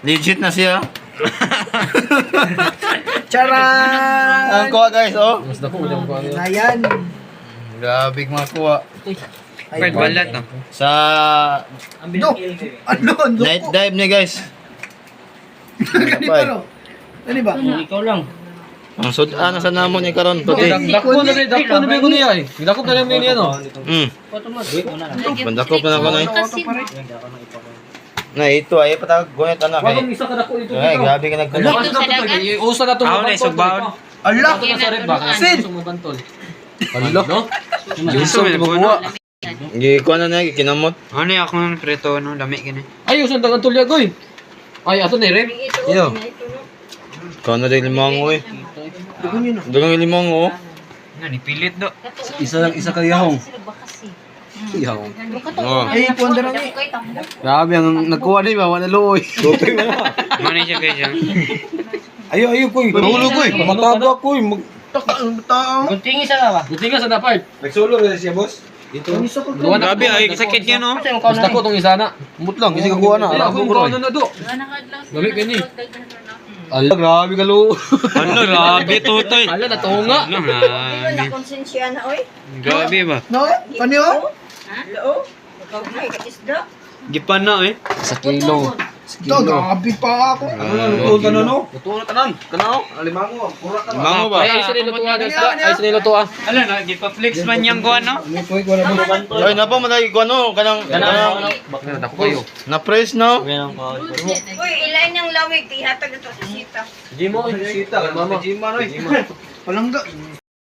Legit na siya. Charan! Ang kuha guys, oh. Mas dako mo ko ano. Ayan. Grabe mga kuha. Pwede balat no? Sa Dok! Ano? night dive niya guys. Ganito no? Ano ba? Ikaw lang. Ang sudan sa namon ni karon to. Dako na ba ko niya eh. Dako na lang niya no. Bandakop na ako na. Na ito ay patag gunit ana kay. Wag isa ka dako dito. Ay, grabe ka nagkuha. Usa na to. Ako na isugbaon. Allah! Ako na sa red ba? Sin! Bantol. Allah. Gusto mo na Gi kuha na na kinamot. Ano yung ako ng preto, no? Lami ka na. Ay, usan dagang tulya goy. Ay, ato ni red. Iyo. Kuha na rin limang oh. Dugang limang oh. Nga, nipilit do. Isa ka yahong. Yahong. Oh. Ay, puwan na rin. Grabe ang nagkuha ni ba wala luoy. Mani siya kayo siya. Ayo koy. Mahulog, koy. Mataba koy. Guntingi sa ba? Buti nga sa dapat. Nagsolo rin siya, boss. Dito. Grabe, ay, sakit yan, no? Basta ko tong isa na. Mut lang kasi kakuha na. Ako ko na do. Dami gani. Allah, grabe ka lo. Ano, grabe, tutoy. Allah natunga. Ano, grabe. Konsensya na, oy. Grabe ba? No? Kanyo? Loo. Ikaw na, ikakisda. Gipan na, eh. Sa kilo. Ito, gabi pa ako. Luto ka na, no? Luto na tanan. Kanaw. Alimango. Pura ka na. Mango ba? Ay, sa nilutuan isda. Ay, sa nilutuan. Ano, no? Gipa-flex man yung kuha, no? Ay, napa malagi ko ano kanang Bakit na ko kayo. na press no. Uy, ilain ng lawig. Ihatag ito sa sita. Jimo. Sita. Mama. Jima, no? Palangga.